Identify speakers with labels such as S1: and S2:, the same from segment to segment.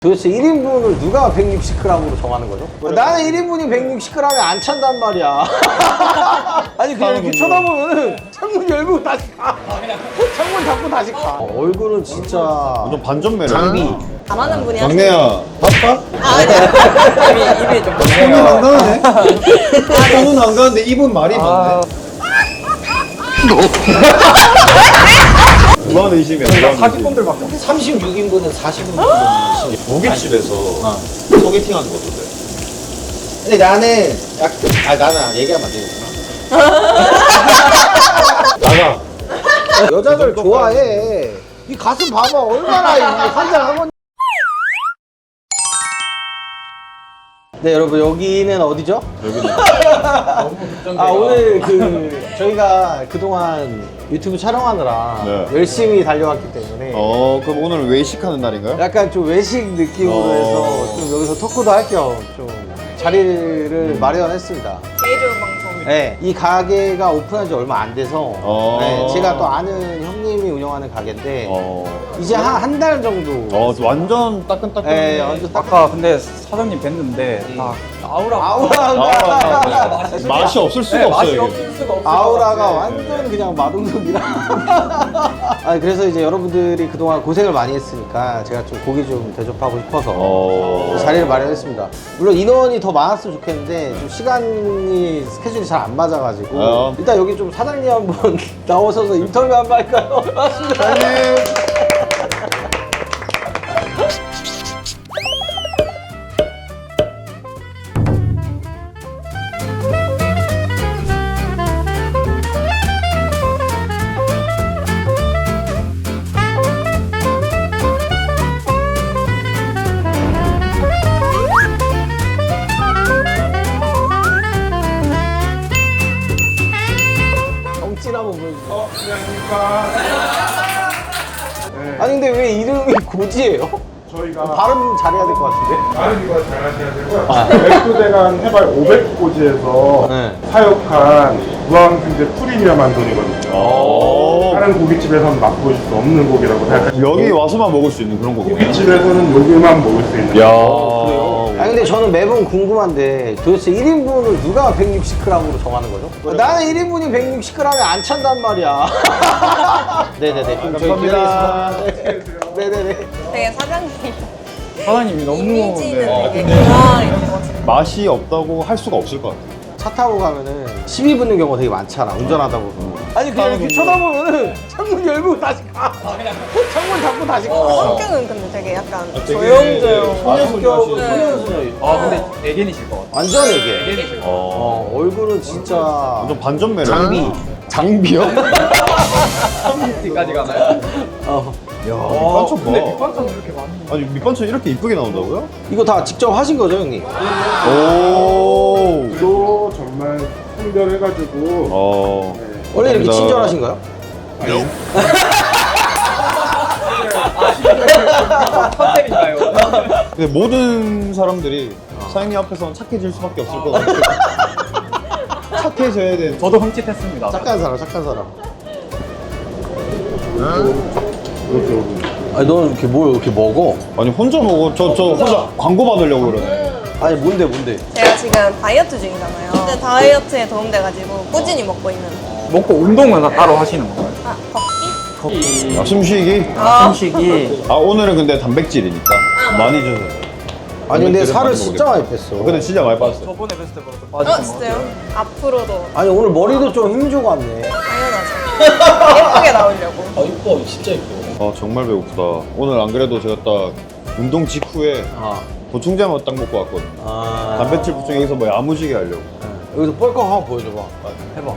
S1: 도대체 1인분을 누가 160g으로 정하는 거죠? 나는 1인분이 160g에 안 찬단 말이야. 아니 그냥 이렇게 쳐다보면은 창문 열고 다시 가. 창문 닫고 다시 가. 얼굴은 진짜
S2: 완전 반전 매력.
S1: 장비.
S3: 잘하는 분이
S2: 막내야, 바빠?
S3: 입이 좀
S2: 손은 안 가는데? 손은 안 가는데 입은 말이 많네. 무한 의심이야.
S4: 40분들밖에 없어.
S1: 36인분은 40인분.
S2: 고깃집에서 소개팅 하는 거 어떤데?
S1: 근데 나는 나는 얘기하면 안 되겠구나.
S2: 나가.
S1: 여자들 좋아해. 이 가슴 봐봐 얼마나 환장하고. 네 여러분 여기는 어디죠?
S2: 여기는.
S1: 오늘 저희가 그동안 유튜브 촬영하느라
S2: 네.
S1: 열심히 달려왔기 때문에
S2: 그럼 오늘 외식하는 날인가요?
S1: 약간 좀 외식 느낌으로 해서 좀 여기서 토크도 할 겸 좀 자리를 마련했습니다.
S3: 제일 좋은 방송.
S1: 네, 이 가게가 오픈한 지 얼마 안 돼서
S2: 어.
S1: 제가 또 아는 형님이 운영하는 가게인데 이제
S2: 어,
S1: 한 달 정도
S2: 완전 따끈따끈.
S1: 네, 완전
S4: 아까 근데 사장님 뵀는데 다
S1: 아우라가
S2: 맛이 없을 수가 없어요.
S4: 맛이
S2: 이게.
S4: 없을 수가 없어.
S1: 아우라가 완전 그냥 마동석이라. 아니 그래서 이제 여러분들이 그동안 고생을 많이 했으니까 제가 좀 고기 좀 대접하고 싶어서 자리를 마련했습니다. 물론 인원이 더 많았으면 좋겠는데 좀 시간이 스케줄이 잘 안 맞아가지고 일단 여기 좀 사장님 한번 나오셔서 인터뷰 한번 할까요? 맞습니다. 정진 한번 보여주세요. 아니 근데 왜 이름이 고지예요?
S5: 저희가
S1: 발음 잘해야 될 것 같은데?
S5: 다른 이거 잘 하셔야 되고요. 백두대간 해발 500고지에서
S1: 네.
S5: 사육한 무항생제 프리미엄한 돈이거든요. 다른 고깃집에서는 맛보실 수 없는 고기라고 생각하시면
S2: 여기 와서만 먹을 수 있는 그런 거구나.
S5: 고깃집에서는 여기만 먹을 수 있는
S1: 아니 근데 저는 매번 궁금한데 도대체 1인분을 누가 160g으로 정하는 거죠? 나는 1인분이 160g에 안 찬단 말이야. 네네네. 그럼 저희
S2: 감사합니다.
S1: 기다리겠습니다. 네네네.
S3: 되게 사장님
S4: 사장님이 너무
S3: 이미지는 되게 건강하게 좋아지는.
S2: 맛이 없다고 할 수가 없을 것 같아.
S1: 차 타고 가면은 시비 붙는 경우가 되게 많잖아. 운전하다 보면. 아니 그냥 이렇게 쳐다보면은 창문 열고 다시 가. 창문 닫고 다시 가.
S3: 성격은 근데 되게 약간 조용조용.
S1: 성격
S3: 네.
S1: 소년소녀.
S4: 근데 애견이실 것 같아요.
S1: 완전 애게.
S4: 애견이실 것 같아요.
S1: 얼굴은 진짜
S2: 완전 반전 매력.
S1: 장비.
S2: 장비요?
S4: 뒤까지 가나요?
S2: 야, 밑반찬 봐.
S4: 근데 밑반찬 이렇게 많이.
S2: 아니, 밑반찬 이렇게 이쁘게 나온다고요?
S1: 이거 다 직접 하신 거죠, 형님?
S2: 오.
S5: 또 정말 선별해가지고
S1: 원래 이렇게
S2: 감사합니다.
S1: 친절하신가요?
S4: 컨셉인가요?
S2: 근데 모든 사람들이 사장님 앞에서는 착해질 수밖에 없을 것 같아요. 착해져야 돼.
S4: 저도 흠칫했습니다.
S1: 착한 사람, 착한 사람.
S5: 이렇게
S1: 아니, 너는 이렇게 뭘 이렇게 먹어?
S2: 아니 혼자 먹어. 저 혼자 광고 받으려고 그러네.
S1: 아니, 뭔데?
S3: 제가 지금 다이어트 중이잖아요. 근데 다이어트에 도움돼가지고 꾸준히 먹고 있는.
S4: 먹고 운동은 다 따로 하시는 건가요?
S3: 걷기?
S2: 아, 숨쉬기?
S4: 숨쉬기.
S2: 아 오늘은 근데 단백질이니까 많이 주세요.
S1: 아니, 근데
S2: 단백질을
S1: 살을
S2: 많이
S1: 진짜
S2: 먹겠다.
S1: 많이 뺐어.
S2: 근데 진짜 많이 빠졌어요.
S4: 저번에 뵀을 때보다 더 빠지신 것
S3: 진짜요?
S4: 같아요.
S3: 앞으로도
S1: 아니, 오늘 머리도 좀 힘주고 왔네.
S3: 당연하죠. 예쁘게 나오려고.
S1: 이뻐, 진짜 이뻐.
S2: 아 정말 배고프다. 오늘 안 그래도 제가 딱 운동 직후에 보충제만 딱 먹고 왔거든요. 단백질 보충 여기서 뭐 야무지게 하려고.
S1: 여기서 뻘컥 한번 보여줘봐. 해봐.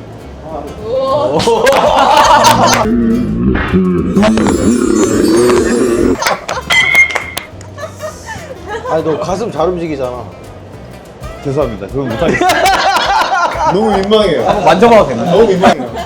S1: 아니, 너 가슴 잘 움직이잖아.
S2: 죄송합니다. 그건 못하겠어요. 너무 민망해요.
S4: 만져봐도 되나요?
S2: 너무 민망해요.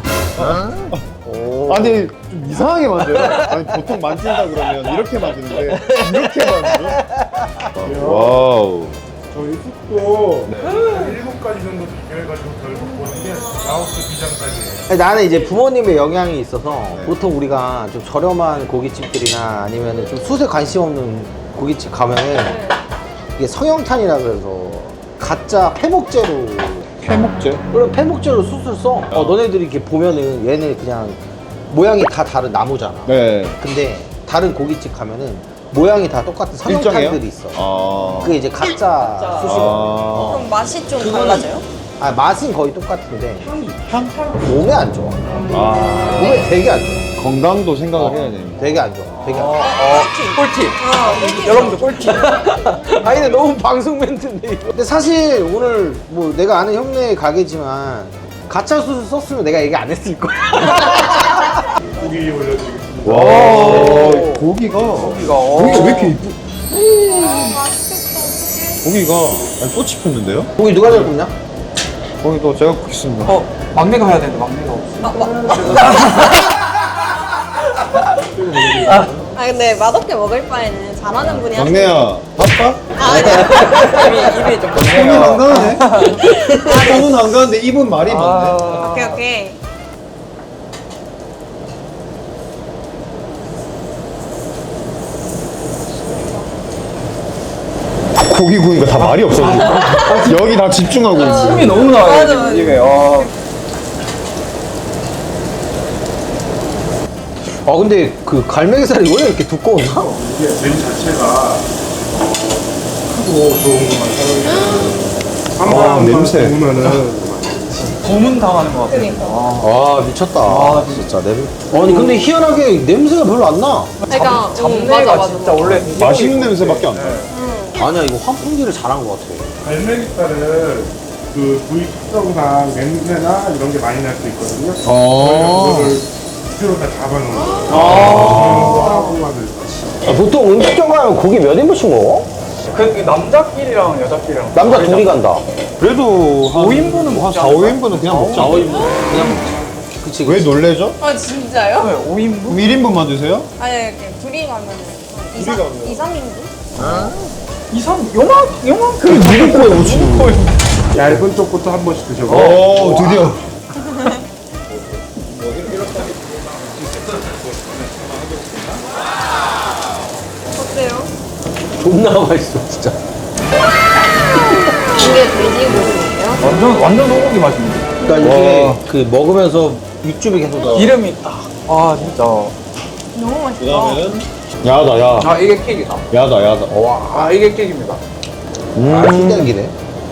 S2: 아니 좀 이상하게 만져요. 아니 보통 만진다 그러면 이렇게 만지는데 이렇게 만져? 와우.
S5: 저희 숙도 7가지 정도 비교해가지고 결국 보는 게 라오스 비장사기예요.
S1: 아니, 나는 이제 부모님의 영향이 있어서 보통 우리가 좀 저렴한 고깃집들이나 아니면 좀 숯에 관심 없는 고깃집 가면은 이게 성형탄이라 그래서 가짜 폐목재로
S2: 해먹제?
S1: 그래 폐목재로 수술 써. 너네들이 이렇게 보면은 얘네 그냥 모양이 다 다른 나무잖아.
S2: 네.
S1: 근데 다른 고깃집 가면은 모양이 다 똑같은 성형탄들이 있어. 그게 이제 가짜 수시거.
S3: 그럼 맛이 좀 달라져요?
S1: 아 맛은 거의 똑같은데 향? 몸에 안 좋아. 몸에 되게 안 좋아.
S2: 건강도 생각을 해야 됩니다.
S1: 되게 안 좋아. 되게 안 좋아.
S4: 꿀팁.
S3: 꿀팁.
S4: 여러분들 꿀팁.
S1: 아니 근데 너무 방송 멘트인데 이거. 근데 사실 오늘 뭐 내가 아는 형네 가게지만 가짜 수술 썼으면 내가 얘기 안 했을 거야.
S5: 고기 올려드리겠습니다.
S2: 와, 고기가 왜 이렇게 이쁘? 고기가 아니, 꽃이 폈는데요?
S1: 고기 누가 잘 굽냐?
S2: 고기도 제가 굽겠습니다.
S4: 막내가 해야 되는데 막내가 없어.
S3: 아 근데 맛없게 먹을 바에는 잘하는 분이 하시는
S2: 막내야, 바빠?
S4: 입이 좀
S2: 손은 안 가네. 손은 안 가는데 입은 말이 많네.
S3: 오케이 오케이.
S2: 고기 구이가 다 말이 없어지고 여기 다 집중하고 있어.
S4: 숨이 너무 나와요.
S3: 맞아, 맞아.
S4: 입에.
S1: 근데 그 갈매기살이 원래 이렇게 두꺼웠나?
S5: 이게 면 자체가 크고 좋은 것만 사용해요.
S2: 냄새.
S5: 구우면은
S4: 고문 당하는 것 같아요.
S3: 그러니까.
S1: 아 미쳤다. 진짜 아니 근데 희한하게 냄새가 별로 안 나.
S3: 그러니까
S4: 잡내가 진짜 원래
S2: 맛있는 냄새밖에 안 나요.
S1: 아니야 이거 환풍기를 잘한 것 같아.
S5: 갈매기살은 그 부위 특성상 냄새나 이런 게 많이 날 수 있거든요.
S2: 아.
S5: 그거를 스스로 다 잡아놓은 거예요. 하고 하는
S1: 보통 음식점 가면 고기 몇 인분씩 먹어?
S4: 그 남자끼리랑 여자끼리랑
S1: 남자 둘이 간다.
S2: 그래도 한
S4: 5인분은
S2: 한
S4: 먹지
S2: 4, 5인분은 그냥 먹자.
S1: 5인분 그냥 먹자. 그치
S2: 왜 놀래죠?
S3: 아 진짜요?
S4: 네, 5인분?
S2: 그럼 1인분만 드세요?
S3: 아니 이렇게 둘이 가면은
S2: 둘이 가면.
S3: 2, 3인분?
S4: 이상 요만큼
S2: 누구 거에 오치는 거예요?
S5: 얇은 쪽부터 한 번씩 드셔보세요.
S2: 오, 드디어.
S3: 어때요?
S1: 존나 맛있어 진짜.
S3: 이게 돼지고기예요?
S4: 완전 소고기 맛입니다.
S1: 그러니까 이게 그 먹으면서 육즙이 계속 나.
S4: 기름이 딱. 아 진짜.
S3: 너무 맛있다.
S2: 그다음에는 야다, 야.
S4: 아 이게 케이크다.
S2: 야다, 야다.
S4: 아 이게 케이크입니다.
S1: 신기하기네.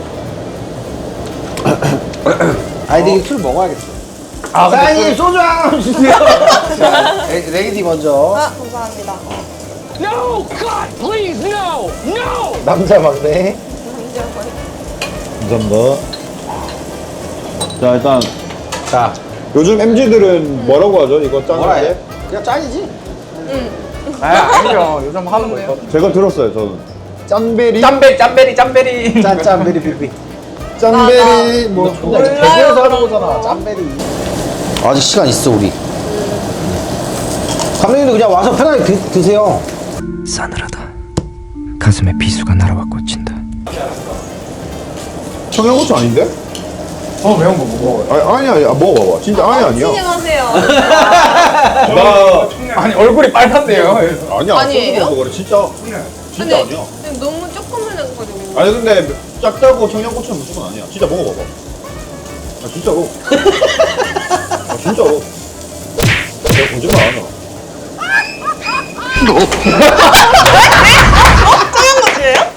S1: 아니 근데 이게 술 먹어야겠어. 사장님 소주 하나 주세요. 자, 레이디 먼저.
S3: 아 감사합니다.
S1: 남자 막내.
S2: 감사합니다. 자, 일단
S1: 자
S2: 요즘 MZ들은 뭐라고 하죠? 이거
S1: 뭐라 해?
S2: 짠데?
S1: 그냥 짠이지.
S4: 아니죠. 요즘 하는 거 있거든.
S2: 제가 들었어요, 저는. 짠베리?
S4: 짬베리.
S1: 짠짠 베리 삐삐.
S2: 짠베리, 뭐.
S1: 존나 이제 대구에서 하는 거잖아. 짠베리. 아직 시간 있어 우리. 감독님도 그냥 와서 편하게 드세요.
S6: 싸늘하다. 가슴에 비수가 날아와 꽂힌다.
S2: 청양고추 아닌데?
S4: 매운 거 먹어.
S2: 아니야, 먹어봐봐. 진짜 아니야.
S3: 진정하세요.
S2: 나.
S4: 아니 얼굴이 빨간데요.
S2: 아니야,
S3: 아니에요?
S2: 소주 먹어서 그래. 진짜
S3: 근데
S2: 아니야.
S3: 너무 조금 흘려가지고.
S2: 아니, 근데 짭짤고 청양고추는 무조건 아니야. 진짜 먹어봐봐. 아, 진짜로. 아, 진짜로. 내가 거짓말 안 하잖아.
S3: 청양고추예요?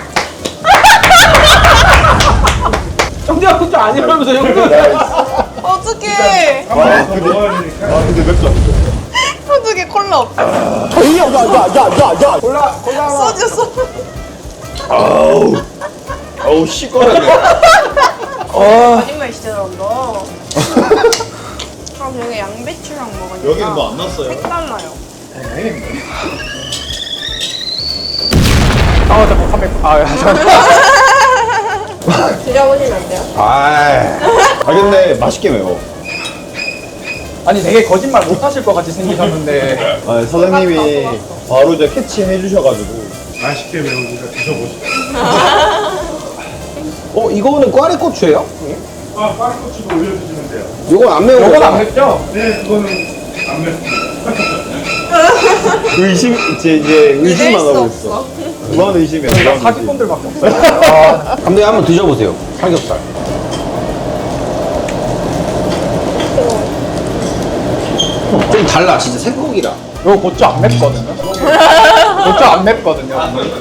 S1: 청양고추 아니라면서 형들.
S3: 어떡해.
S5: 한 번씩 더 먹어야 되니까.
S2: 근데 맵다.
S3: 어떡해 콜라 없어.
S1: 야야야야야. 콜라.
S3: 소주.
S2: 아우, 시꺼라네.
S3: 거짓말 진짜 잘한다. 아 여기 양배추랑 먹으니까
S2: 여기는 뭐 안 났어요?
S3: 색달라요.
S4: 아 잠깐
S3: 드셔보시면 안 돼요?
S2: 아, 근데 맛있게 매워.
S4: 아니 되게 거짓말 못 하실 것 같이 생기셨는데.
S2: 아, 사장님이 바로 이제 캐치해 주셔가지고.
S5: 맛있게 매우니까 드셔보시죠.
S1: 이거는 꽈리고추예요?
S5: 아, 파리고추도 올려주시면 돼요.
S1: 이건 안 매운
S4: 요건
S1: 거죠?
S4: 안 맵죠?
S5: 네, 그거는 안 맵습니다.
S2: 이제 의심만
S3: 믿을 수
S2: 하고
S3: 없어.
S2: 있어. 무한 의심이야.
S4: 그러니까
S2: 무한 의심.
S4: 사기꾼들밖에 없어요.
S1: 감독님 한번 드셔보세요. 삼겹살. 좀 달라, 진짜 생고기라.
S4: 이거 고추 안 맵거든요. 고추 안 맵거든요.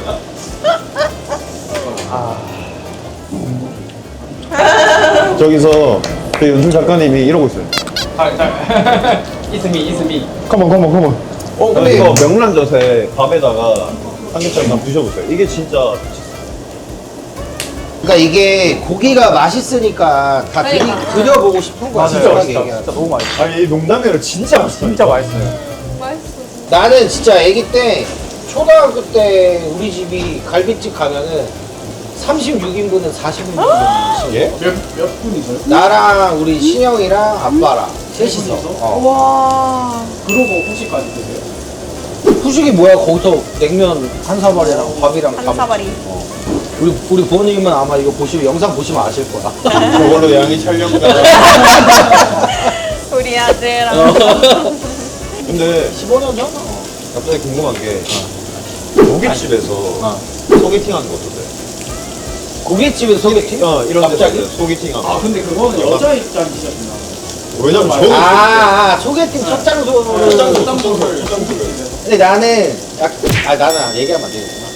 S2: 저기서 그 연출 작가님이 이러고 있어요.
S4: 이스미.
S2: 컴온.
S1: 근데
S2: 이거 명란젓에 밥에다가 삼겹살 한번 드셔보세요. 이게 진짜
S1: 그러니까 이게 고기가 맛있으니까 다 드려보고 싶은 거야.
S4: 진짜
S1: 솔직하게
S4: 맛있다.
S1: 얘기하면.
S4: 진짜 너무 맛있어.
S2: 아니 이 농담이라 진짜 맛있다.
S4: 진짜 맛있어요.
S1: 나는 진짜 아기 때 초등학교 때 우리 집이 갈비집 가면은 36인분은 40인분
S2: 예?
S4: 몇 분이서요?
S1: 나랑 우리 신영이랑 아빠랑 셋이서
S3: 와.
S4: 그러고 후식까지 드세요?
S1: 후식이 뭐야 거기서 냉면 한 사발이랑 밥이랑
S3: 한
S1: 다
S3: 사발이.
S1: 우리 부모님은 아마 이거 보시면 영상 보시면 아실 거야.
S2: 저걸로 양이 촬영가.
S3: 우리 아들랑.
S2: 근데
S1: 15년 전?
S2: 갑자기 궁금한 게 고깃집에서 소개팅하는 거 어떠세요?
S1: 고깃집에서 소개팅?
S2: 이런 데서
S1: 갑자기?
S2: 소개팅하는 거.
S4: 근데 그거는 여자 입장이시잖아요.
S2: 왜냐면 저는
S1: 소개팅 첫 장소로. 근데 나는 나는 얘기하면 안 되겠구나.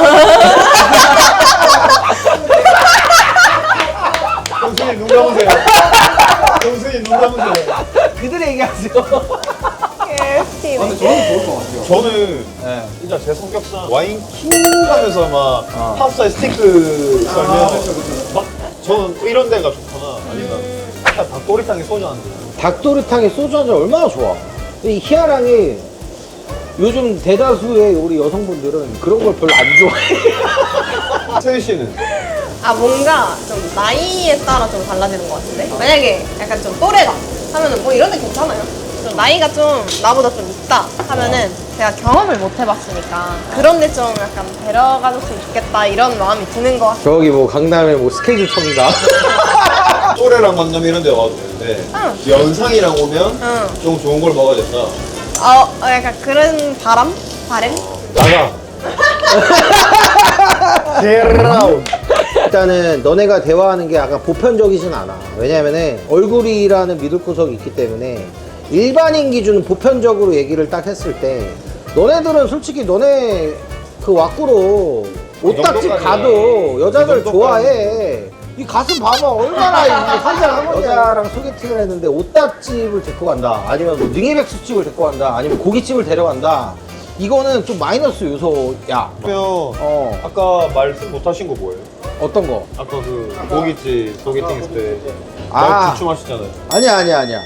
S2: 형수님 눈 감으세요. 형수님 눈 감으세요.
S1: 그들의 얘기하세요.
S3: 개웃기네.
S4: 근데 저는 좋을 것 같아요.
S2: 저는 진짜 제 성격상 와인 킹 가면서 막 팝사의 스티크 썰면 막 저는 이런 데가 좋거나 아니면 그냥 닭도리탕에 소주 한 잔.
S1: 닭도리탕에 소주 한 잔 얼마나 좋아. 이 희아랑이 요즘 대다수의 우리 여성분들은 그런 걸 별로 안 좋아해.
S2: 세희 씨는?
S3: 뭔가 좀 나이에 따라 좀 달라지는 것 같은데? 만약에 약간 좀 또래다 하면은 뭐 이런 데 괜찮아요. 좀 나이가 좀 나보다 좀 있다 하면은 제가 경험을 못 해봤으니까 그런데 좀 약간 데려가줬으면 좋겠다 이런 마음이 드는 것 같아요.
S1: 저기 뭐 강남에 뭐 스케줄 청인가?
S2: 또래랑 만나면 이런 데 와도 되는데
S3: 응.
S2: 연상이랑 오면
S3: 응.
S2: 좀 좋은 걸 먹어야 된다.
S3: 약간 그런 바람?
S2: 나가. 게라운.
S1: 일단은 너네가 대화하는 게 약간 보편적이진 않아. 왜냐면은 얼굴이라는 믿을 구석이 있기 때문에 일반인 기준 보편적으로 얘기를 딱 했을 때 너네들은 솔직히 너네 그 왁구로 옷딱지
S2: 정도까지.
S1: 가도 여자들
S2: 그 정도까지.
S1: 좋아해. 이 가슴 봐봐 얼마나 이게 환장한 거야. 여자랑 소개팅을 했는데 옷딱집을 데리고 간다 아니면 뭐 능이백숙집을 데리고 간다 아니면 고깃집을 데려간다 이거는 좀 마이너스 요소야.
S2: 그러면 아까 말씀 못 하신 거 뭐예요?
S1: 어떤 거?
S2: 아까 그 고깃집 소개팅 했을 때
S1: 아.
S2: 말 주춤하시잖아요.
S1: 아니야.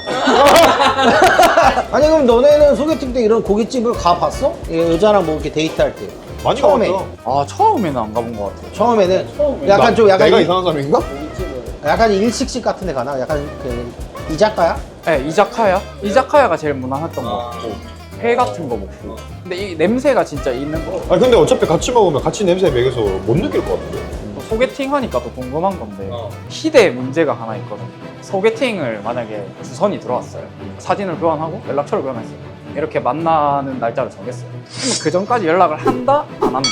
S1: 아니 그럼 너네는 소개팅 때 이런 고깃집을 가봤어? 여자랑 뭐 이렇게 데이트할 때
S2: 많이
S1: 처음에.
S2: 가봤죠.
S4: 처음에는 안 가본 것 같아요.
S1: 처음에는 약간 좀 약간
S2: 내가 이상한 사람인가?
S1: 약간 일식집 같은 데 가나? 약간 그 이자카야?
S4: 네, 이자카야? 이자카야가 제일 무난했던 것 같고 회 같은 거 먹고 근데 이 냄새가 진짜 있는 거
S2: 아니 근데 어차피 같이 먹으면 같이 냄새 매겨서 못 느낄 것 같은데.
S4: 소개팅 하니까 또 궁금한 건데 희대 문제가 하나 있거든요. 소개팅을 만약에 주선이 들어왔어요. 사진을 교환하고 연락처를 교환했어요. 이렇게 만나는 날짜를 정했어요. 그러면 그 전까지 연락을 한다? 안 한다?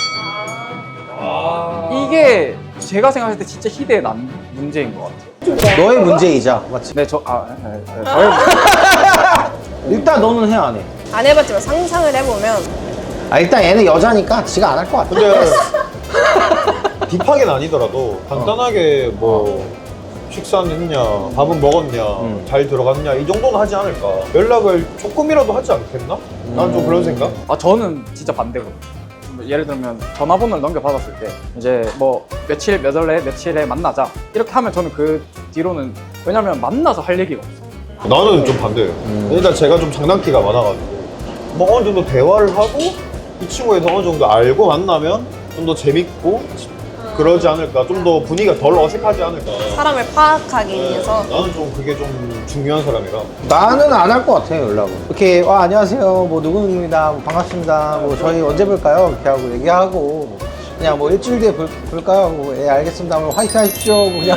S4: 이게 제가 생각할 때 진짜 희대의 문제인 것 같아요.
S1: 너의 문제이자 맞지?
S4: 네, 저의 문제.
S1: 일단 너는 해 안 해?
S3: 안 해봤지만 상상을 해보면
S1: 일단 얘는 여자니까 지가 안 할 것 같아.
S2: 근데 딥하게는 아니더라도 간단하게 뭐 식사는 했냐, 밥은 먹었냐, 잘 들어갔냐 이 정도는 하지 않을까. 연락을 조금이라도 하지 않겠나? 난 좀 그런 생각?
S4: 저는 진짜 반대거든요. 예를 들면 전화번호를 넘겨받았을 때 이제 뭐 며칠 몇 월에 며칠에 만나자 이렇게 하면 저는 그 뒤로는 왜냐면 만나서 할 얘기가 없어요.
S2: 나는 좀 반대예요. 일단 제가 좀 장난기가 많아가지고 뭐 어느 정도 대화를 하고 이 친구에 대해서 어느 정도 알고 만나면 좀 더 재밌고 그러지 않을까. 좀 더 분위기가 덜 어색하지 않을까.
S3: 사람을 파악하기 위해서
S2: 나는 좀 그게 좀 중요한 사람이라.
S1: 나는 안 할 것 같아 연락을. 이렇게 안녕하세요 뭐 누구누구입니다 뭐 반갑습니다 뭐 저희 언제 볼까요 이렇게 하고 얘기하고 그냥 뭐 일주일 뒤에 볼까요 뭐 예 알겠습니다 뭐 화이팅 하십시오 뭐 그냥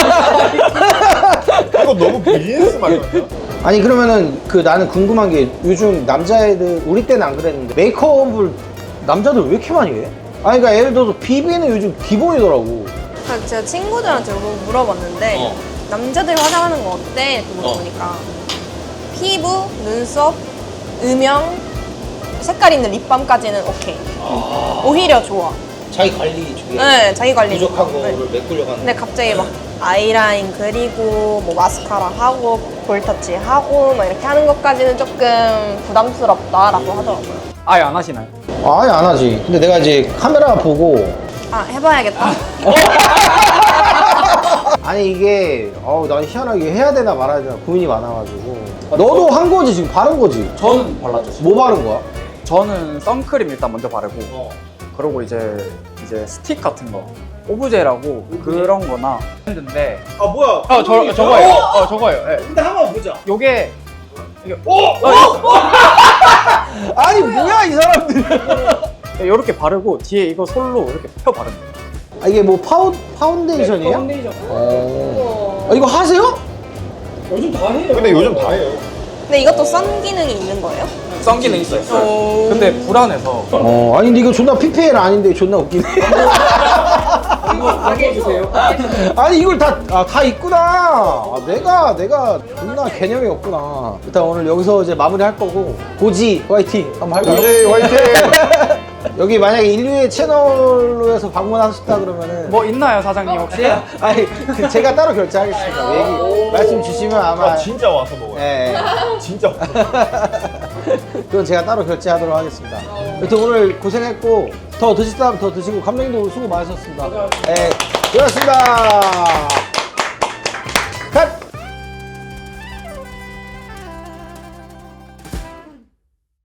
S2: 이거 너무 비즈니스 말이야.
S1: 아니 그러면은 나는 궁금한 게 요즘 남자애들 우리 때는 안 그랬는데 메이크업을 남자들 왜 이렇게 많이 해? 아니 그러니까 예를 들어서 비비는 요즘 기본이더라고.
S3: 제가 친구들한테 물어봤는데 남자들 화장하는 거 어때? 이렇게 물어보니까 피부, 눈썹, 음영, 색깔 있는 립밤까지는 오케이. 오히려 좋아.
S1: 자기 관리 중에
S3: 네, 자기 관리
S1: 부족한
S3: 좋고. 네.
S1: 거를 메꾸려고 하는.
S3: 근데 갑자기 막 아이라인 그리고 뭐 마스카라 하고 볼터치 하고 막 이렇게 하는 것까지는 조금 부담스럽다라고 하더라고요.
S4: 아예 안 하시나요?
S1: 아예 안 하지. 근데 내가 이제 카메라 보고
S3: 아 해봐야겠다.
S1: 아니 이게 난 희한하게 해야 되나 말아야 되나 고민이 많아가지고. 너도 한 거지 지금 바른 거지?
S4: 저는 발랐죠.
S1: 뭐 바른 거야?
S4: 저는 선크림 일단 먼저 바르고 그리고 이제 스틱 같은 거 오브제라고 그런 거나 했는데
S2: 아 뭐야?
S4: 저거예요. 저거예요. 예.
S2: 근데 한번 보자.
S4: 요게
S1: 아니 뭐야 이 사람들.
S4: 이렇게 바르고 뒤에 이거 솔로 이렇게 펴 바르는 거예요.
S1: 아, 이게 뭐 파운데이션이에요?
S4: 파운데이션.
S1: 이거 하세요?
S4: 요즘 다 해요.
S2: 근데 요즘 다 해요.
S3: 근데 이것도 선 기능이 있는 거예요?
S4: 썬 기능 있어요. 근데 불안해서
S1: 아니 근데 이거 존나 PPL 아닌데 존나 웃기네.
S4: 이거 주세요.
S1: 아니 이걸 다 있구나. 내가 존나 개념이 없구나. 일단 오늘 여기서 이제 마무리할 거고 고지 화이팅 한번 할까요?
S2: 이제 화이팅!
S1: 여기 만약에 인류의 채널로 해서 방문하셨다 그러면은
S4: 뭐 있나요 사장님 혹시?
S1: 아니 제가 따로 결제하겠습니다. 얘기 말씀 주시면 아마
S2: 진짜 와서 먹어요.
S1: 예.
S2: 진짜 와서.
S1: 그건 제가 따로 결제하도록 하겠습니다. 여튼 오늘 고생했고 더 드실 사람 더 드시고 감독님도 수고 많으셨습니다. 네, 고맙습니다.